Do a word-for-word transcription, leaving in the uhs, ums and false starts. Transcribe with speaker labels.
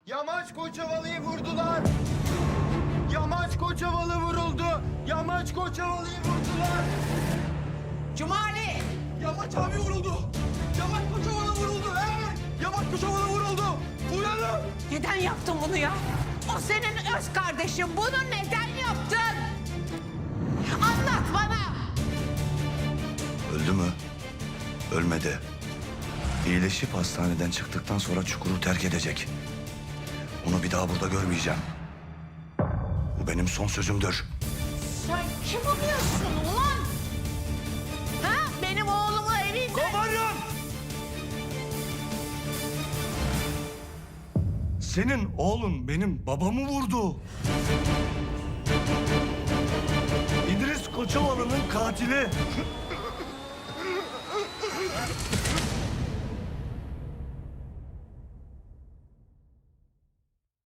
Speaker 1: Yamaç Koçovalı'yı vurdular. Yamaç Koçovalı vuruldu. Yamaç Koçovalı'yı vurdular.
Speaker 2: Cumali!
Speaker 1: Yamaç abi vuruldu. Yamaç Koçovalı vuruldu. Evet. Yamaç Koçovalı vuruldu. Uyanın.
Speaker 2: Neden yaptın bunu ya? O senin öz kardeşin. Bunu neden yaptın? Anlat bana!
Speaker 3: Öldü mü? Ölmedi. İyileşip hastaneden çıktıktan sonra çukuru terk edecek. Onu bir daha burada görmeyeceğim. Bu benim son sözümdür.
Speaker 2: Sen kim oluyorsun ulan? Ha? Benim oğlumu evinde...
Speaker 3: Komutanım! Senin oğlun benim babamı vurdu. İdris Koçovalı'nın katili.